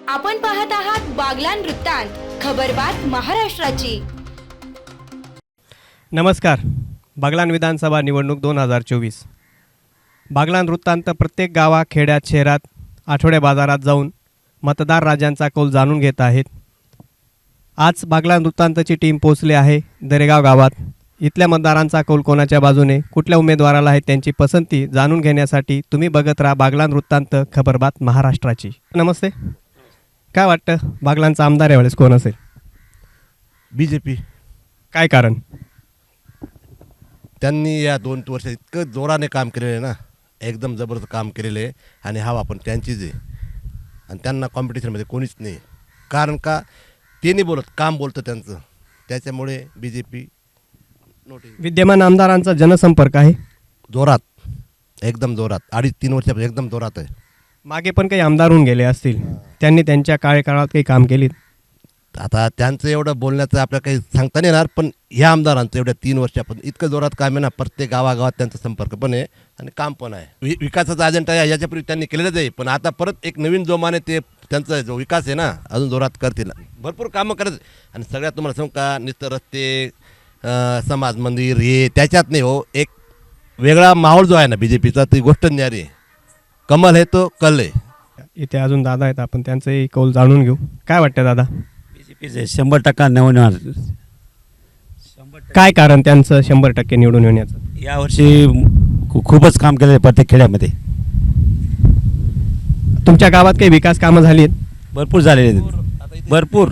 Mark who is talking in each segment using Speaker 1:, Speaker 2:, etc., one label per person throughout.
Speaker 1: आपण पाहत आहात बागलान वृत्तांत, खबरबात महाराष्ट्राची।
Speaker 2: नमस्कार। बागलान विधानसभा निवडणूक 2024। बागलान वृत्तांत प्रत्येक गावा खेड्यात शहरात आठवडे बाजारात जाऊन मतदार राजांचा कौल जाणून घेत आहेत। आज बागलान वृत्तांतची टीम पोहोचली आहे दरेगाव गावात। इथल्या मतदारांचा कौल कोणाच्या बाजूने, कुठल्या उमेदवाराला आहे त्यांची पसंती जाणून घेण्यासाठी तुम्ही बघत राहा बागलान वृत्तांत, खबरबात महाराष्ट्राची। नमस्ते। काय वाटतं बागलांचा आमदार यावेळेस कोण असेल?
Speaker 3: बीजेपी।
Speaker 2: काय कारण?
Speaker 3: त्यांनी या 2 वर्षात इतकं जोराने काम केलेलं आहे ना, एकदम जबरदस्त काम केलेलं आहे आणि हवा पण त्यांचीच आहे आणि त्यांना कॉम्पिटिशनमध्ये कोणीच नाही। कारण का ते नाही बोलत, काम बोलतं त्यांचं, त्याच्यामुळे बीजेपी नोटीस।
Speaker 2: विद्यमान आमदारांचा जनसंपर्क आहे
Speaker 3: जोरात, एकदम जोरात, 2.5-3 वर्षापासून एकदम जोरात आहे।
Speaker 2: मागे पण काही आमदार होऊन गेले असतील, त्यांनी त्यांच्या कार्यकाळात काही काम केली?
Speaker 3: आता त्यांचं एवढं बोलण्याचं आपल्याला काही सांगता नाही येणार, पण ह्या आमदारांचं एवढ्या 3 वर्षापासून इतकं जोरात काम आहे ना, प्रत्येक गावागावात त्यांचा संपर्क पण आहे आणि काम पण आहे। विकासाचा अजेंडा आहे, याच्यापूर्वी त्यांनी केलेलंच आहे, पण आता परत एक नवीन जोमाने ते त्यांचा जो विकास आहे ना अजून जोरात करतील, भरपूर कामं करत। आणि सगळ्यात तुम्हाला सांगू का, नुसतं रस्ते, समाज मंदिर हे त्याच्यात नाही हो, एक वेगळा माहोल जो आहे ना बीजेपीचा, ती गोष्ट न्यारी आहे। कमल है तो कल है।
Speaker 2: इथे अजून दादा आहेत, आपण त्यांचंही कौल जाणून घेऊ। काय वाटतं दादा?
Speaker 4: बीजेपीचे 100% निवडून येणार।
Speaker 2: काय कारण त्यांचं 100% निवडून येण्याचं?
Speaker 4: यावर्षी खूपच काम केलं आहे प्रत्येक खेड्यामध्ये।
Speaker 2: तुमच्या गावात काही विकास कामं झाली आहेत?
Speaker 4: भरपूर झालेले आहेत,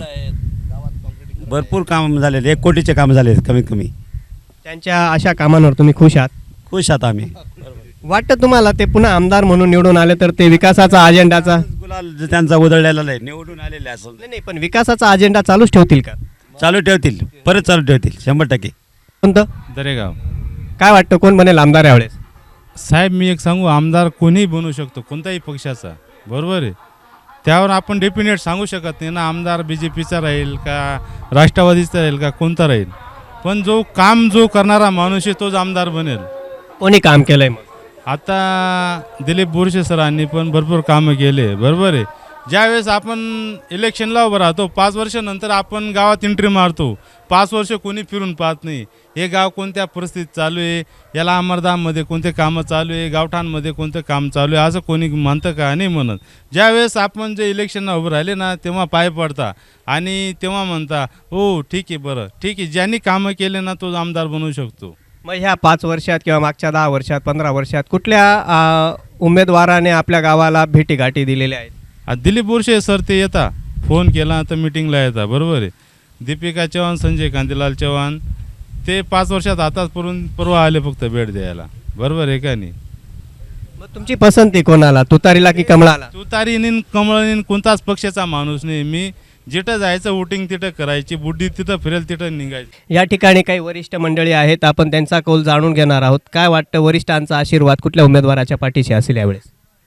Speaker 4: भरपूर काम झालेले, 1 कोटीचे काम झाले कमीत कमी।
Speaker 2: त्यांच्या अशा कामांवर तुम्ही खुश आहात?
Speaker 4: खुश आहात आम्ही।
Speaker 2: वाटतं तुम्हाला ते पुन्हा आमदार म्हणून निवडून आले तर ते विकासाचा अजेंडाचा
Speaker 4: गुलाल त्यांचा उधळलेला आहे, निवडून आलेले असं
Speaker 2: नाही, पण विकासाचा अजेंडा चालूच ठेवतील का?
Speaker 4: चालू ठेवतील, परत चालू ठेवतील 100%।
Speaker 2: कोणतं?
Speaker 5: दरेगाव।
Speaker 2: काय वाटतं कोण बनेल आमदार यावेळेस?
Speaker 5: साहेब मी एक सांगू, आमदार कोणीही बनू शकतो, कोणताही पक्षाचा, बरोबर आहे। त्यावर आपण डेफिनेट सांगू शकत नाही ना आमदार बीजेपीचा राहील का राष्ट्रवादीचा राहील का कोणता राहील, पण जो काम जो करणारा माणूस आहे तोच आमदार बनेल।
Speaker 2: कोणी काम केलंय मग?
Speaker 5: आता दिलीप बोरसे सरांनी पण भरपूर कामं केले, बरोबर आहे। ज्यावेळेस आपण इलेक्शनला उभं राहतो 5 वर्षानंतर आपण गावात एंट्री मारतो, 5 वर्ष कोणी फिरून पाहत नाही हे गाव कोणत्या परिस्थितीत चालू आहे, याला अमरधाममध्ये कोणते कामं चालू आहे, गावठाणमध्ये कोणतं काम चालू आहे, असं कोणी म्हणतं का? नाही म्हणत। ज्यावेळेस आपण जे इलेक्शनला उभं राहिले ना तेव्हा पाय पडता आणि तेव्हा म्हणता हो ठीक आहे, बरं ठीक आहे, ज्यांनी कामं केले ना तोच आमदार बनवू शकतो।
Speaker 2: मग ह्या 5 वर्षात किंवा मागच्या 10 वर्षात 15 वर्षात कुठल्या उमेदवाराने आपल्या गावाला भेटीगाठी दिलेल्या आहेत?
Speaker 5: दिलीप बोरसे सर ते येता, फोन केला तर मिटिंगला येतात, बरोबर आहे। दीपिका चव्हाण, संजय कांतीलाल चव्हाण ते 5 वर्षात आताच परवा आले फक्त भेट द्यायला, बरोबर आहे का नाही?
Speaker 2: मग तुमची पसंती कोणाला, तुतारीला की कमळाला?
Speaker 5: तुतारीने कमळाने कोणताच पक्षाचा माणूस नाही मी, जिथं जायचं वोटिंग तिथं करायची, बुड्डी तिथं फिरेल तिथं निघायची।
Speaker 2: या ठिकाणी काही वरिष्ठ मंडळी आहेत, आपण त्यांचा कौल जाणून घेणार आहोत। काय वाटतं वरिष्ठांचा आशीर्वाद कुठल्या उमेदवाराच्या पाठीशी असेल यावेळेस?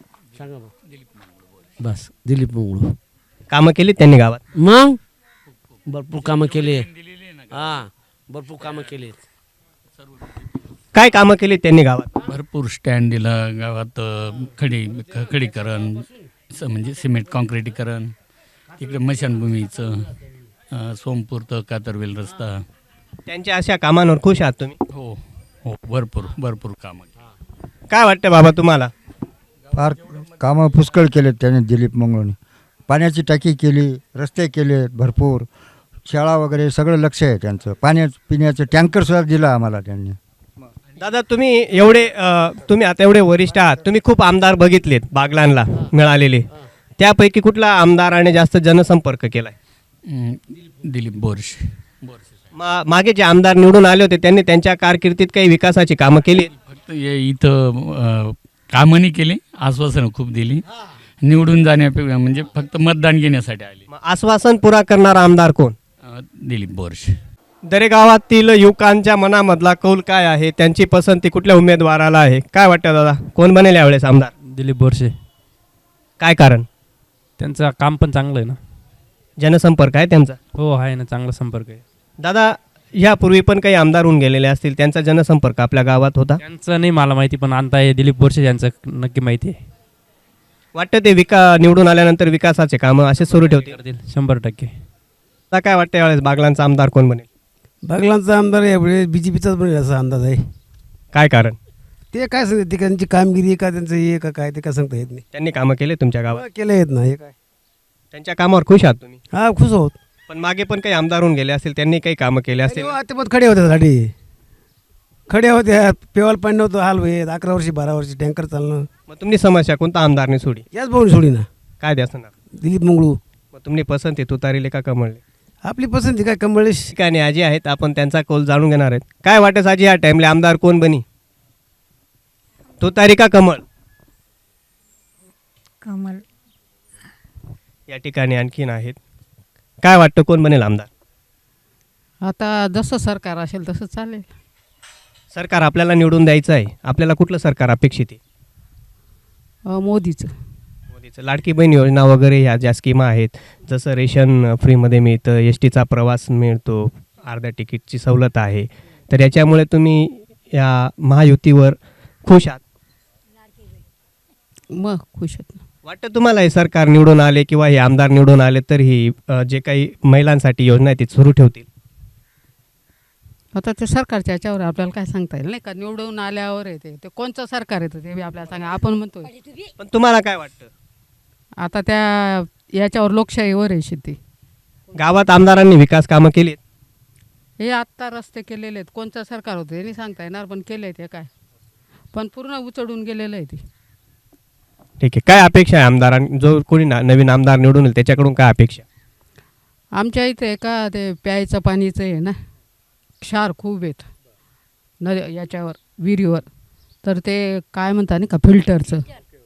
Speaker 6: बस दिलीप मंगळू।
Speaker 2: कामं केली त्यांनी गावात?
Speaker 6: मग भरपूर कामं केले, हां भरपूर कामं केले।
Speaker 2: काय कामं केली त्यांनी गावात?
Speaker 7: भरपूर स्टँड दिलं गावात, खडीकरण, म्हणजे सिमेंट कॉन्क्रिटीकरण, तिकडे मशानभूमीचं, सोमपूर कातरवेल रस्ता।
Speaker 2: त्यांच्या अशा कामांवर खुश आहात तुम्ही?
Speaker 7: हो हो, भरपूर कामं।
Speaker 2: काय वाटतं बाबा तुम्हाला?
Speaker 8: फार कामं पुष्कळ केलेत त्याने दिलीप मंगळूने। पाण्याची टाकी केली, रस्ते केलेत भरपूर, शाळा वगैरे सगळं लक्ष आहे त्यांचं। पिण्याचं टँकरसुद्धा दिलं आम्हाला त्यांनी।
Speaker 2: दादा तुम्ही आता एवढे वरिष्ठ आहात, तुम्ही खूप आमदार बघितलेत बागलानला मिळालेले, त्यापैकी कुठला आमदाराने जास्त जनसंपर्क केलाय?
Speaker 7: दिलीप बोरसे।
Speaker 2: मागे जे आमदार निवडून आले होते त्यांनी त्यांच्या कारकिर्दीत काही विकासाची कामं केली?
Speaker 7: फक्त इथं कामं नाही केले, आश्वासनं खूप दिली, निवडून जाण्यापेक्षा म्हणजे फक्त मतदान घेण्यासाठी आले।
Speaker 2: आश्वासन पुरा करणारा आमदार कोण?
Speaker 7: दिलीप बोरसे।
Speaker 2: दरेगावातील युवकांच्या मनामधला कौल काय आहे, त्यांची पसंती कुठल्या उमेदवाराला आहे? काय वाटतं दादा कोण बनेल यावेळेस आमदार?
Speaker 9: दिलीप बोरसे।
Speaker 2: काय कारण?
Speaker 9: त्यांचं काम पण चांगलं आहे ना,
Speaker 2: जनसंपर्क आहे त्यांचा?
Speaker 9: हो आहे ना, चांगला संपर्क आहे।
Speaker 2: दादा यापूर्वी पण काही आमदार होऊन गेलेले असतील, त्यांचा जनसंपर्क आपल्या गावात होता?
Speaker 9: त्यांचं नाही मला माहिती, पण आता हे दिलीप बोरसे यांचं नक्की माहिती आहे।
Speaker 2: वाटतं ते निवडून आल्यानंतर विकासाचे कामं असे सुरू ठेवतील.
Speaker 9: करतील 100%.
Speaker 2: आता काय वाटतं यावेळेस बागलांचा आमदार कोण बनेल?
Speaker 6: बागलांचा आमदार यावेळी बी जे पीचाच बनेल असा अंदाज आहे.
Speaker 2: काय कारण?
Speaker 6: ते काय सांगते ते त्यांची कामगिरी का त्यांचं हे का काय ते काय सांगता येत नाही.
Speaker 2: त्यांनी कामं केले तुमच्या गावात?
Speaker 6: केलं येत ना हे काय.
Speaker 2: त्यांच्या कामावर खुश आहात तुम्ही?
Speaker 6: हा खुश आहोत.
Speaker 2: पण मागे पण काही आमदार होऊन गेले असतील, त्यांनी काही कामं केले असतील.
Speaker 6: ते पण खडे होते साठी खडे होते पेवाल पाणी नव्हतं हाल होईल 11 वर्षी 12 वर्षी टँकर चालणं.
Speaker 2: मग तुमची समस्या कोणता आमदारने सोडी?
Speaker 6: याच भाऊन सोडी ना
Speaker 2: काय द्या असणार?
Speaker 6: दिलीप मंगळू.
Speaker 2: मग तुम्ही पसंती तुतारीले का कमळले?
Speaker 6: आपली पसंती काय कमळेश.
Speaker 2: ठिकाणी आजी आहेत, आपण त्यांचा कौल जाणून घेणार आहेत. काय वाटत आजी या टाइमला आमदार कोण बनी? तुतारी का कमळ?
Speaker 10: कमल.
Speaker 2: या ठिकाणी आणखीन आहेत. काय वाटतं कोण बनेल आमदार?
Speaker 10: आता जसं सरकार असेल तसं चालेल.
Speaker 2: सरकार आपल्याला निवडून द्यायचं आहे, आपल्याला कुठलं सरकार अपेक्षित आहे?
Speaker 10: मोदीचं.
Speaker 2: मोदीचं लाडकी बहीण योजना वगैरे ह्या ज्या स्कीमा आहेत, जसं रेशन फ्रीमध्ये मिळतं, एस टीचा प्रवास मिळतो, अर्ध्या तिकीटची सवलत आहे, तर याच्यामुळे तुम्ही या महायुतीवर खुश आहात?
Speaker 10: मग खुश आहेत ना.
Speaker 2: वाटतं तुम्हाला हे सरकार निवडून आले किंवा हे आमदार निवडून आले तर ही जे काही महिलांसाठी योजना आहे ती सुरू ठेवतील?
Speaker 10: आता ते सरकारच्या याच्यावर आपल्याला काय सांगता येईल नाही का. निवडून आल्यावर येते ते कोणतं सरकार येतं ते बी आपल्याला सांगा. आपण म्हणतोय
Speaker 2: पण तुम्हाला काय वाटतं?
Speaker 10: आता त्या याच्यावर लोकशाहीवर आहे शेती.
Speaker 2: गावात आमदारांनी विकास कामं केली आहेत?
Speaker 10: हे आत्ता रस्ते केलेले आहेत. कोणतं सरकार होतं हे नाही सांगता येणार पण केले ते काय. पण पूर्ण उचडून गेलेलं आहे ते.
Speaker 2: ठीक आहे. काय अपेक्षा आहे आमदारां जो कोणी नवीन आमदार निवडून येईल त्याच्याकडून काय अपेक्षा?
Speaker 10: आमच्या इथे का ते प्यायचं पाणीचं आहे ना, क्षार खूप आहेत याच्यावर विहिरीवर, तर ते काय म्हणता नाही का फिल्टरचं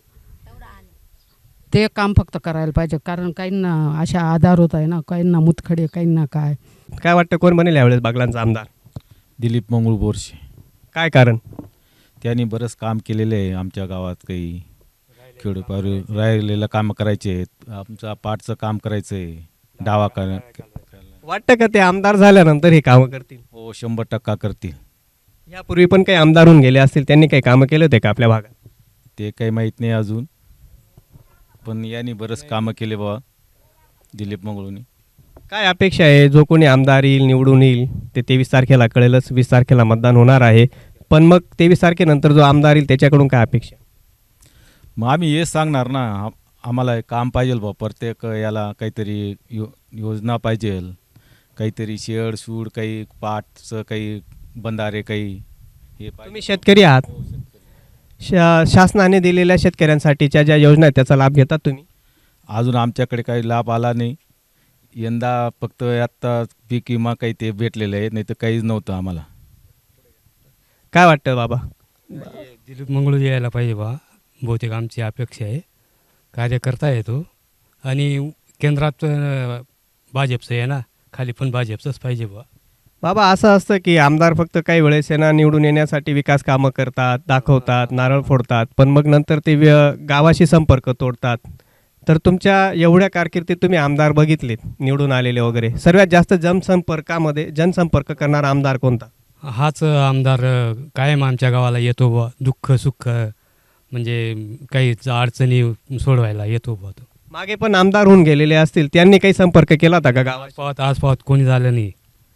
Speaker 10: ते काम फक्त करायला पाहिजे. कारण काहींना अशा आधार होत आहे ना, काहींना मुतखडे, काहींना काय.
Speaker 2: काय वाटतं कोण बनेल यावेळेस बागलांचा आमदार?
Speaker 4: दिलीप मंगळू बोरसे.
Speaker 2: काय कारण?
Speaker 4: त्यांनी बरंच काम केलेलं आहे आमच्या गावात. काही खेडोपार राहिलेलं कामं करायचे आहेत, आमचं पाटचं काम करायचं आहे, डावा
Speaker 2: वाटतं का ते आमदार झाल्यानंतर हे कामं करतील?
Speaker 4: हो 100% करतील.
Speaker 2: यापूर्वी पण काही आमदार होऊन गेले असतील, त्यांनी काही कामं केले होते का आपल्या भागात?
Speaker 4: ते काही माहीत नाही अजून, पण यांनी बरंच कामं केले बाबा दिलीप मंगळूनी.
Speaker 2: काय अपेक्षा आहे जो कोणी आमदार येईल निवडून येईल ते 23 तारखेला कळेलच. 20 तारखेला मतदान होणार आहे, पण मग 23 तारखेनंतर जो आमदार येईल त्याच्याकडून काय अपेक्षा?
Speaker 4: मग आम्ही हेच सांगणार ना, आम्हाला काम पाहिजे बा. प्रत्येक याला काहीतरी योजना पाहिजे, काहीतरी शेड सूड, काही पाटचं काही बंधारे, काही हे
Speaker 2: तुम्ही शेतकरी आहात, शासनाने दिलेल्या शेतकऱ्यांसाठीच्या ज्या योजना आहेत त्याचा लाभ घेतात तुम्ही?
Speaker 4: अजून आमच्याकडे काही लाभ आला नाही. यंदा फक्त आत्ता पीक विमा काही ते भेटलेलं आहे, नाही तर काहीच नव्हतं आम्हाला.
Speaker 2: काय वाटतं बाबा?
Speaker 11: दिलीप मंगळू यायला पाहिजे बा, बहुतेक आमची अपेक्षा आहे. कार्य करता येतो आणि केंद्रात भाजपचं आहे ना, खाली पण भाजपचंच पाहिजे बा.
Speaker 2: बाबा असं असतं की आमदार फक्त काही वेळेस आहे ना निवडून येण्यासाठी विकास कामं करतात, दाखवतात, नारळ फोडतात, पण मग नंतर ते गावाशी संपर्क तोडतात. तर तुमच्या एवढ्या कारकिर्दीत तुम्ही आमदार बघितलेत निवडून आलेले वगैरे, सर्वात जास्त जनसंपर्क करणारा आमदार कोणता?
Speaker 11: हाच आमदार कायम आमच्या गावाला येतो बा. दुःख सुख म्हणजे काही अडचणी सोडवायला येतो बा तो.
Speaker 2: मागे पण आमदार होऊन गेलेले असतील, त्यांनी काही संपर्क केला होता का गावात?
Speaker 11: आज पावत कोणी झालं नाही.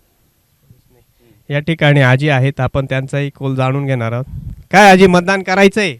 Speaker 2: या ठिकाणी आजी आहेत, आपण त्यांचाही कौल जाणून घेणार आहोत. काय आजी, मतदान करायचंय?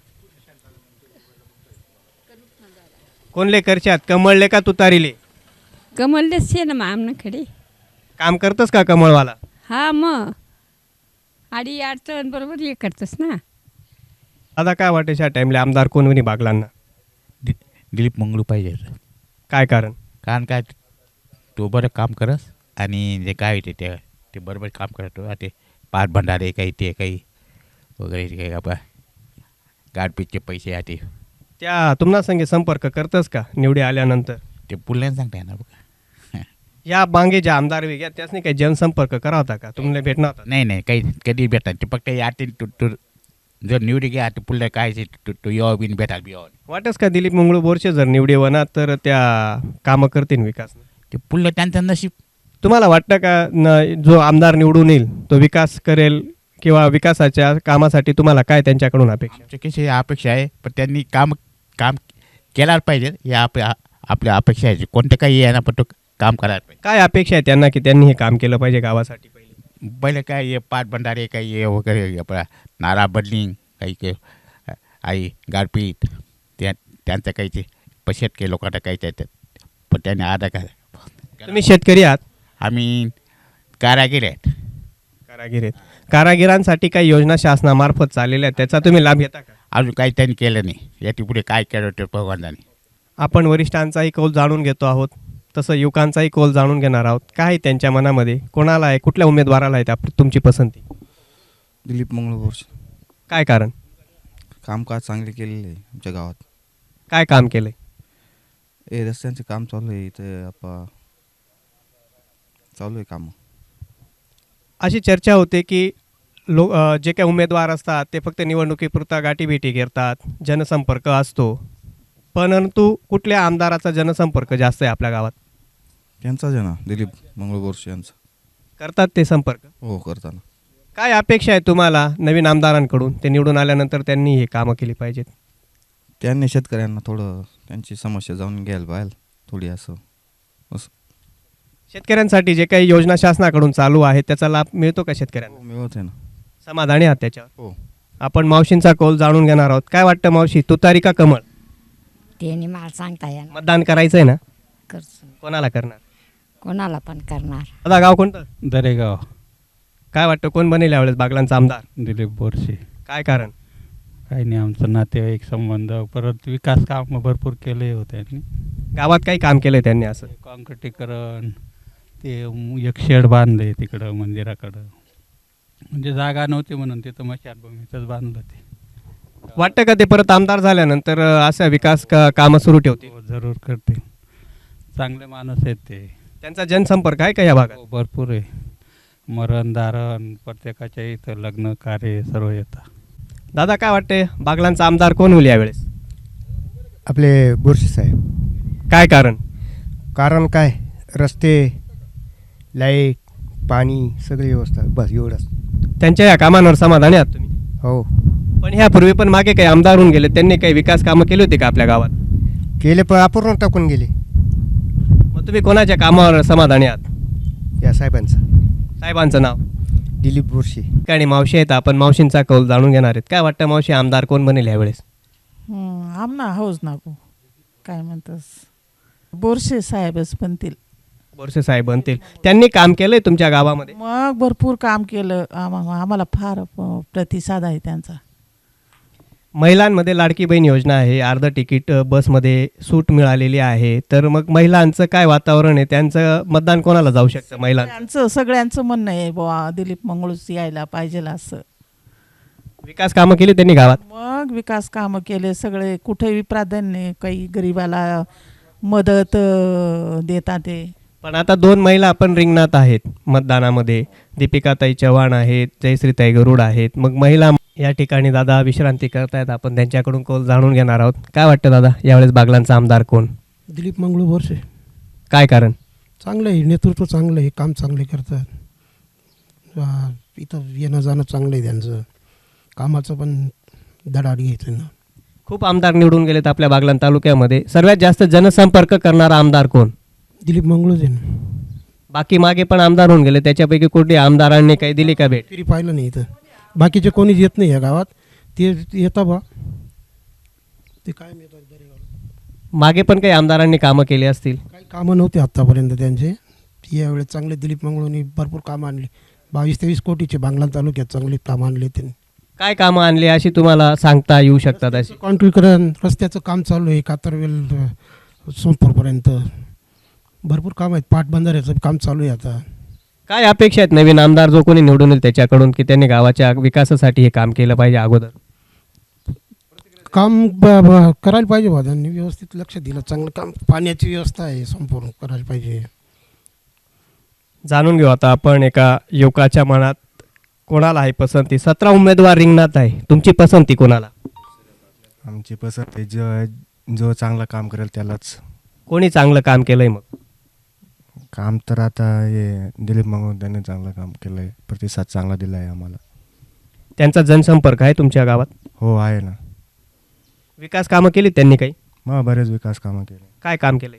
Speaker 2: कोणले करशात, कमळले का तुतारीले?
Speaker 10: कमललेच आहे ना मग आमनाकडे.
Speaker 2: काम करतस का कमळवाला?
Speaker 10: हा मग आडी अडचण बरोबर हे करतस ना.
Speaker 2: आता काय वाटेल या टाइमला आमदार कोण होणी बागलांना?
Speaker 12: दिलीप मंगळू पाहिजे.
Speaker 2: काय कारण?
Speaker 12: कारण काय तो बरं काम करस आणि जे काय होते ते बरोबर काम करतो. ते पाच भंडारे काही ते काही वगैरे काही आपा गाडपीटचे पैसे आहे ते
Speaker 2: त्या तुम्हाला संगे संपर्क करतस का निवडी आल्यानंतर?
Speaker 12: ते पुढल्याने सांगता येणार बघा.
Speaker 2: या मागे ज्या आमदार वेगळ्या त्यासनी काही जनसंपर्क करा होता का? तुम्हाला भेटणार होता?
Speaker 12: नाही काही कधी भेटतात ते फक्त याते जर निवडी घ्या ते पुढल्या काय तो यावं बिन भेटाल बी यावं.
Speaker 2: वाटस का दिलीप मंगळू बोरसे जर निवडी होणार तर त्या कामं करतील विकास?
Speaker 12: ते पुढलं त्यांचं नशीब.
Speaker 2: तुम्हाला वाटतं का जो आमदार निवडून येईल तो विकास करेल किंवा विकासाच्या कामासाठी तुम्हाला काय त्यांच्याकडून अपेक्षा?
Speaker 12: कशी अपेक्षा आहे पण त्यांनी काम केलाच पाहिजे या आपल्या अपेक्षा आहे. कोणतं काही आहे ना, पण तो काम करायला पाहिजे.
Speaker 2: काय अपेक्षा आहे त्यांना की त्यांनी हे काम केलं पाहिजे गावासाठी
Speaker 12: पहिले काय हे पाटबंधारे काही हे वगैरे आपला नाला बदलिंग काही आई गारपीट त्यांचं काही ते शेतकरी लोकांना काही त्याच्यात पण त्याने आधा काय.
Speaker 2: तुम्ही शेतकरी आहात?
Speaker 12: आम्ही कारागीर आहेत.
Speaker 2: कारागीर आहेत. कारागिरांसाठी काही योजना शासनामार्फत चाललेल्या आहेत, त्याचा तुम्ही लाभ घेता का?
Speaker 12: अजून काही त्यांनी केलं नाही. याची पुढे काय केलं ते भगवानाने.
Speaker 2: आपण वरिष्ठांचाही कौल जाणून घेतो आहोत, तसं युवकांचाही कौल जाणून घेणार आहोत. काय आहे त्यांच्या मनामध्ये, कोणाला आहे, कुठल्या उमेदवाराला आहे तुमची पसंती?
Speaker 13: दिलीप मंगळ बोरसे.
Speaker 2: काय कारण?
Speaker 13: कामकाज चांगले केलेले आहे आमच्या गावात.
Speaker 2: काय काम केलं आहे?
Speaker 13: हे रस्त्यांचे काम चालू आहे इथं चालू आहे कामं.
Speaker 2: अशी चर्चा होते की जे काही उमेदवार असतात ते फक्त निवडणुकीपुरता गाठीभेटी करतात, जनसंपर्क असतो, परंतु कुठल्या आमदाराचा जनसंपर्क जास्त आहे आपल्या गावात?
Speaker 13: त्यांचाच आहे ना, दिलीप मंगळ बोरसे यांचा.
Speaker 2: करतात ते संपर्क?
Speaker 13: हो, करताना.
Speaker 2: काय अपेक्षा आहे तुम्हाला नवीन आमदारांकडून? ते निवडून आल्यानंतर त्यांनी हे कामं केली पाहिजेत.
Speaker 13: त्यांनी शेतकऱ्यांना थोडं त्यांची समस्या जाणून घ्यायला पाहिजे थोडी असं.
Speaker 2: शेतकऱ्यांसाठी जे काही योजना शासनाकडून चालू आहे त्याचा लाभ मिळतो का शेतकऱ्यांना?
Speaker 13: मिळत आहे ना.
Speaker 2: समाधानी आहात त्याच्यावर?
Speaker 13: हो.
Speaker 2: आपण मावशींचा कौल जाणून घेणार आहोत. काय वाटतं मावशी, तुतारी का कमळ?
Speaker 14: त्यांनी मला सांगता येणार.
Speaker 2: मतदान करायचं आहे ना?
Speaker 14: करतो.
Speaker 2: कोणाला करणार?
Speaker 14: कोणाला पण करणार.
Speaker 2: आता गाव कोणतं?
Speaker 5: दरेगाव.
Speaker 2: काय वाटतं कोण बनेल यावेळेस बागलांचा आमदार?
Speaker 5: दिलीप बोरसे.
Speaker 2: काय कारण?
Speaker 5: काही नाही, आमचं नातेवाईक संबंध, परत विकास काम भरपूर केले होते त्यांनी.
Speaker 2: गावात काही काम केलंय त्यांनी असं?
Speaker 5: काँक्रिटीकरण, ते एक शेड बांधले तिकडं मंदिराकडं, म्हणजे जागा नव्हती म्हणून तिथं मशानभूमीतच बांधलं ते.
Speaker 2: वाटतं का ते परत आमदार झाल्यानंतर अशा विकास कामं सुरू ठेवतील?
Speaker 5: हो, जरूर करतील. चांगले माणूस आहेत ते.
Speaker 2: त्यांचा जनसंपर्क आहे का या भागात?
Speaker 5: हो, भरपूर आहे. मरण धारण प्रत्येकाच्या इथं लग्न कार्य सर्व येतं.
Speaker 2: दादा काय वाटते बागलांचा आमदार कोण होईल यावेळेस?
Speaker 6: आपले बोरसे साहेब.
Speaker 2: काय कारण?
Speaker 6: कारण काय, रस्ते, लाईट, पाणी, सगळी व्यवस्था, बस एवढंच.
Speaker 2: त्यांच्या या कामांवर समाधानी आहात तुम्ही?
Speaker 6: हो.
Speaker 2: पण ह्यापूर्वी पण मागे काही आमदार होऊन गेले, त्यांनी काही विकास कामं केली होती का आपल्या गावात?
Speaker 6: केले पण अपूर्ण टाकून गेले.
Speaker 2: मग तुम्ही कोणाच्या कामावर समाधानी आहात?
Speaker 6: या
Speaker 2: साहेबांचं नाव?
Speaker 6: दिलीप बोरसे.
Speaker 2: आणि मावशी आहेत, आपण मावशींचा कौल जाणून घेणार आहेत. काय वाटतं मावशी, आमदार कोण बनेल यावेळेस?
Speaker 15: आमना हौज नाको काय म्हणतस, बोरसे साहेबच बनतील.
Speaker 2: बोरसे साहेब बनतील. त्यांनी काम केलंय तुमच्या गावामध्ये?
Speaker 15: मग भरपूर काम केलं. आम्हाला फार प्रतिसाद आहे त्यांचा.
Speaker 2: महिलांमध्ये लाडकी बहीण योजना आहे, अर्ध तिकीट बसमध्ये सूट मिळालेली आहे, तर मग महिलांचं काय वातावरण आहे? त्यांचं मतदान कोणाला जाऊ शकतं? महिलांचं
Speaker 15: सगळ्यांचं म्हणणं आहे बुवा दिलीप मंगळूच यायला पाहिजे असं.
Speaker 2: विकास कामं केली त्यांनी गावात?
Speaker 15: मग विकास कामं केले सगळे, कुठेही प्राधान्य, काही गरिबाला मदत देतात ते.
Speaker 2: पण आता 2 महिला आपण रिंगणात आहेत मतदानामध्ये, दीपिकाताई चव्हाण आहेत, जयश्रीताई गरुड आहेत. मग महिला या ठिकाणी दादा विश्रांती करतायत, आपण त्यांच्याकडून कौल जाणून घेणार आहोत. काय वाटतं दादा, यावेळेस बागलांचा आमदार कोण?
Speaker 6: दिलीप मंगळ बोरसे.
Speaker 2: काय कारण?
Speaker 6: चांगलं आहे, नेतृत्व चांगलं आहे, काम चांगले करतात. इथं येणं जाणं चांगलं आहे त्यांचं, कामाचं पण धडाडी घ्यायचं ना.
Speaker 2: खूप आमदार निवडून गेलेत आपल्या बागलाण तालुक्यामध्ये, सर्वात जास्त जनसंपर्क करणारा आमदार कोण?
Speaker 6: दिलीप मंगळूच आहे ना.
Speaker 2: बाकी मागे पण आमदार होऊन गेले, त्याच्यापैकी कुठे आमदारांनी काही दिली का भेट?
Speaker 6: तरी पाहिलं नाही इथं. बाकीचे कोणीच येत नाही या गावात, ते येता बा ते काय मिळतात.
Speaker 2: मागे पण काही आमदारांनी कामं केली असतील?
Speaker 6: काही कामं नव्हते आत्तापर्यंत त्यांचे. यावेळेस चांगले दिलीप मंगळूंनी भरपूर कामं आणली. 22-23 कोटीचे बागलाण तालुक्यात चांगले कामं आणले त्यांनी.
Speaker 2: काय कामं आणली अशी तुम्हाला सांगता येऊ शकतात? अशी
Speaker 6: कॉन्क्रीटीकरण, रस्त्याचं काम चालू आहे, कातरवेल सोमपूरपर्यंत भरपूर काम आहेत. पाटबंधाऱ्याचं काम चालू आहे आता.
Speaker 2: काय अपेक्षा आहेत नवीन आमदार जो कोणी निवडून येईल त्याच्याकडून, की त्यांनी गावाच्या विकासासाठी हे काम केलं पाहिजे? अगोदर
Speaker 6: काम करायला पाहिजे बा, त्यांनी व्यवस्थित लक्ष दिलं, चांगलं काम, पाण्याची व्यवस्था आहे संपूर्ण करायला पाहिजे.
Speaker 2: जाणून घेऊ आता आपण एका युवकाच्या मनात कोणाला आहे पसंती. 17 उमेदवार रिंगणात आहे, तुमची पसंती कोणाला?
Speaker 16: आमची पसंती जो चांगलं काम करेल त्यालाच.
Speaker 2: कोणी चांगलं काम केलंय? मग
Speaker 16: काम तर आता हे दिलीप मंगळ त्यांनी चांगलं काम केलं आहे, प्रतिसाद चांगला दिला आहे आम्हाला.
Speaker 2: त्यांचा जनसंपर्क आहे तुमच्या गावात?
Speaker 16: हो आहे ना.
Speaker 2: विकास कामं केली त्यांनी काही?
Speaker 16: मग बरेच विकास कामं केले.
Speaker 2: काय काम केलंय?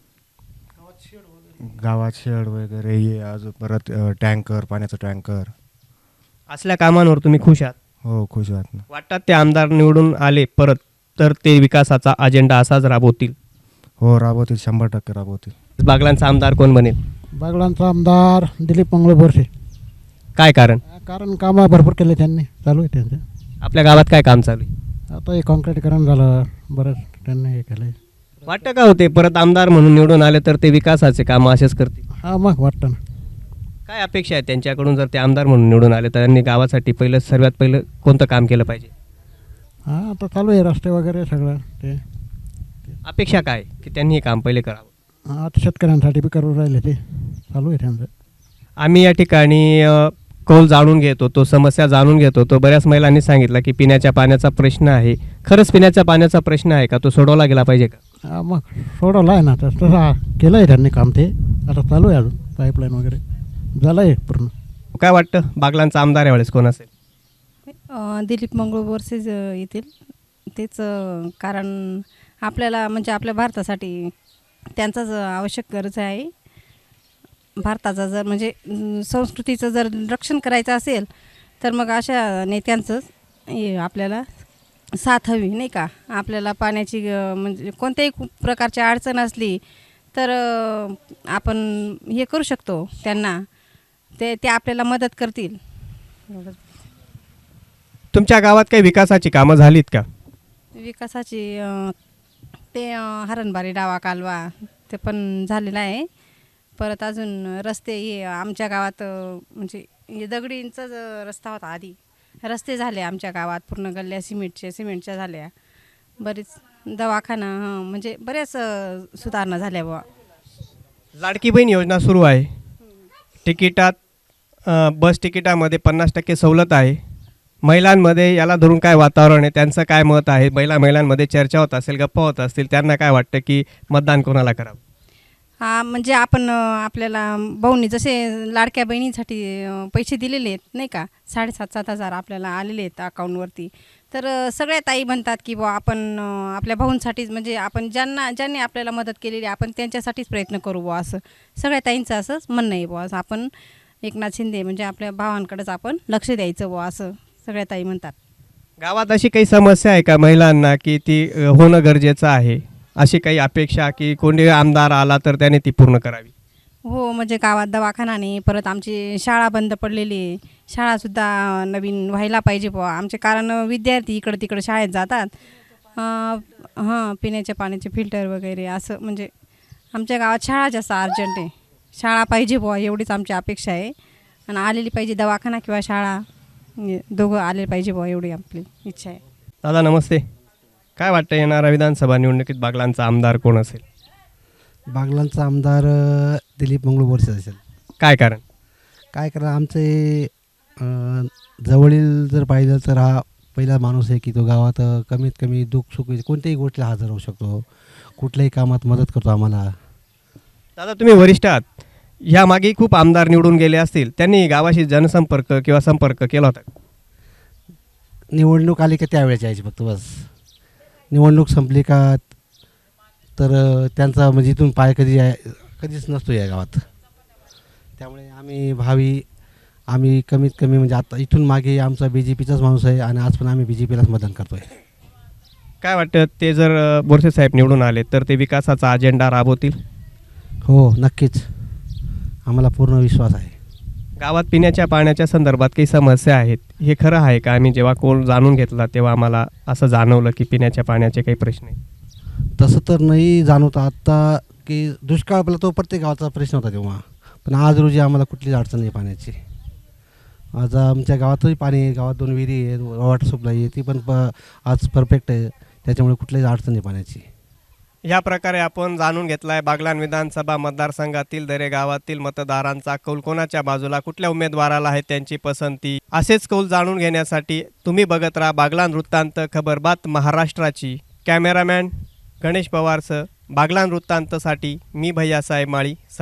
Speaker 16: गावात शेड वगैरे हे अजून परत टँकर, पाण्याचं टँकर.
Speaker 2: असल्या कामांवर तुम्ही खुश आहात?
Speaker 16: हो, खुश आहात ना.
Speaker 2: वाटतात ते आमदार निवडून आले परत तर ते विकासाचा अजेंडा असाच राबवतील?
Speaker 16: हो, राबवतील, 100% राबवतील.
Speaker 2: बागलांचा आमदार कोण बनेल?
Speaker 6: बागलांचा आमदार दिलीप मंगळ बोरसे.
Speaker 2: काय कारण?
Speaker 6: कारण कामं भरपूर केले त्यांनी, चालू आहे त्यांचं.
Speaker 2: आपल्या गावात काय काम चालू आहे?
Speaker 6: आता हे कॉन्क्रीटीकरण झालं, बरंच त्यांनी हे केलं आहे.
Speaker 2: वाटतं का होते परत आमदार म्हणून निवडून आले तर ते विकासाचे कामं असेच करतील?
Speaker 6: हां, मग वाटतं ना.
Speaker 2: काय अपेक्षा आहे त्यांच्याकडून जर ते आमदार म्हणून निवडून आले तर त्यांनी गावासाठी सर्वात पहिलं कोणतं काम केलं पाहिजे?
Speaker 6: हां, आता चालू आहे रस्ते वगैरे सगळं ते.
Speaker 2: अपेक्षा काय की त्यांनी हे काम पहिले करावं?
Speaker 6: आता शेतकऱ्यांसाठी बी करून राहिले, ते चालू आहे त्यांचं.
Speaker 2: आम्ही या ठिकाणी कौल जाणून घेत होतो, समस्या जाणून घेत होतो. बऱ्याच महिलांनी सांगितलं की पिण्याच्या पाण्याचा प्रश्न आहे. खरंच पिण्याच्या पाण्याचा प्रश्न आहे का? तो सोडवला गेला पाहिजे का?
Speaker 6: हां, मग सोडवलं आहे ना, तसं केलं आहे त्यांनी काम. ते आता चालू आहे, अजून पाईपलाईन वगैरे झालं आहे पूर्ण.
Speaker 2: काय वाटतं बागलांचा आमदार यावेळेस कोण असेल?
Speaker 17: दिलीप मंगळ बोरसेच येतील. तेच कारण आपल्याला म्हणजे आपल्या भारतासाठी त्यांचाच आवश्यक गरज आहे. भारताचा जर म्हणजे संस्कृतीचं जर रक्षण करायचं असेल तर मग अशा नेत्यांचंच आपल्याला साथ हवी, नाही का? आपल्याला पाण्याची म्हणजे कोणत्याही प्रकारची अडचण असली तर आपण हे करू शकतो त्यांना, ते आपल्याला मदत करतील.
Speaker 2: तुमच्या गावात काही विकासाची कामं झालीत का?
Speaker 17: विकासाची ते हरणबारी डावा कालवा ते पण झालेला आहे. परत अजून रस्ते हे आमच्या गावात म्हणजे हे दगडींचाच रस्ता होता आधी. रस्ते झाले आमच्या गावात, पूर्ण गल्ल्या सिमेंटच्या झाल्या. बरीच दवाखाना म्हणजे बऱ्याच सुधारणा झाल्या बुवा.
Speaker 2: लाडकी बहीण योजना सुरू आहे. तिकिटात बस तिकिटामध्ये 50% सवलत आहे. महिलांमध्ये याला धरून काय वातावरण आहे, त्यांचं काय मत आहे? महिलांमध्ये चर्चा होत असेल, गप्पा होत असतील, त्यांना काय वाटतं की मतदान कोणाला करावं?
Speaker 17: हा, म्हणजे आपण आपल्याला भाऊंनी जसे लाडक्या बहिणींसाठी पैसे दिलेले आहेत, नाही का? 7,500-7,000 आपल्याला आलेले आहेत अकाऊंटवरती. तर सगळ्या ताई म्हणतात की बुवा आपण आपल्या भाऊंसाठीच म्हणजे आपण ज्यांनी आपल्याला मदत केलेली आपण त्यांच्यासाठीच प्रयत्न करू बुवा, असं सगळ्या ताईंचं असंच म्हणणं आहे बुवा. आपण एकनाथ शिंदे म्हणजे आपल्या भावांकडेच आपण लक्ष द्यायचं बुवा, असं सगळ्या ताई म्हणतात.
Speaker 2: गावात अशी काही समस्या आहे का महिलांना की ती होणं गरजेचं आहे? अशी काही अपेक्षा की कोणी आमदार आला तर त्याने ती पूर्ण करावी?
Speaker 17: हो, म्हणजे गावात दवाखाना नाही, परत आमची शाळा बंद पडलेली आहे. शाळासुद्धा नवीन व्हायला पाहिजे बुवा आमचे, कारण विद्यार्थी इकडं तिकडं शाळेत जातात. हां, पिण्याच्या पाण्याचे फिल्टर वगैरे असं म्हणजे आमच्या गावात शाळा जास्त अर्जंट आहे. शाळा पाहिजे बुवा एवढीच आमची अपेक्षा आहे. आणि आलेली पाहिजे दवाखाना किंवा शाळा, दोघं आले पाहिजे बुवा एवढी आपली इच्छा आहे.
Speaker 2: दादा नमस्ते. काय वाटतं येणाऱ्या विधानसभा निवडणुकीत बागलांचा आमदार कोण असेल?
Speaker 18: बागलांचा आमदार दिलीप मंगळ बोरसे असेल.
Speaker 2: काय कारण?
Speaker 18: काय कारण आमचे जवळील जर पाहिलं तर हा पहिला माणूस आहे की तो गावात कमीत कमी दुःख सुख कोणत्याही गोष्टीला हजर होऊ शकतो, कुठल्याही कामात मदत करतो आम्हाला.
Speaker 2: दादा तुम्ही वरिष्ठ आहात, ह्यामागे खूप आमदार निवडून गेले असतील, त्यांनी गावाशी जनसंपर्क किंवा संपर्क केला होता?
Speaker 18: निवडणूक आली का त्यावेळेस यायची फक्त, बस. निवडणूक संपली का तर त्यांचा म्हणजे इथून पाय कधीच नसतो या गावात. त्यामुळे आम्ही कमीत कमी म्हणजे आता इथून मागे आमचा BJPचाच माणूस आहे आणि आज पण आम्ही BJPलाच मतदान करतो आहे.
Speaker 2: काय वाटतं ते जर बोरसे साहेब निवडून आले तर ते विकासाचा अजेंडा राबवतील?
Speaker 18: हो, नक्कीच. आम्हाला पूर्ण विश्वास आहे.
Speaker 2: गावात पिण्याच्या पाण्याच्या संदर्भात काही समस्या आहेत, हे खरं आहे का? आम्ही जेव्हा कोल जाणून घेतला तेव्हा आम्हाला असं जाणवलं की पिण्याच्या पाण्याचे काही प्रश्न आहेत.
Speaker 18: तसं तर नाही जाणवतं आत्ता की दुष्काळ पडला तो प्रत्येक गावाचा प्रश्न होता तेव्हा, पण आज रोजी आम्हाला कुठलीच अडचण नाही पाण्याची. आज आमच्या गावातही पाणी आहे, गावात 2 विहिरी आहे, वॉटर सप्लाय आहे, ती पण आज परफेक्ट आहे. त्याच्यामुळे कुठलीच अडचण नाही पाण्याची.
Speaker 2: या प्रकारे आपण जाणून घेतला आहे बागलाण विधानसभा मतदारसंघातील दरे गावातील मतदारांचा कौल कोणाच्या बाजूला, कुठल्या उमेदवाराला आहे त्यांची पसंती. असेच कौल जाणून घेण्यासाठी तुम्ही बघत राहा बागलाण वृत्तांत, खबरबात महाराष्ट्राची. कॅमेरामॅन गणेश पवारसह बागलाण वृत्तांतसाठी मी भैयासाहेब माळी.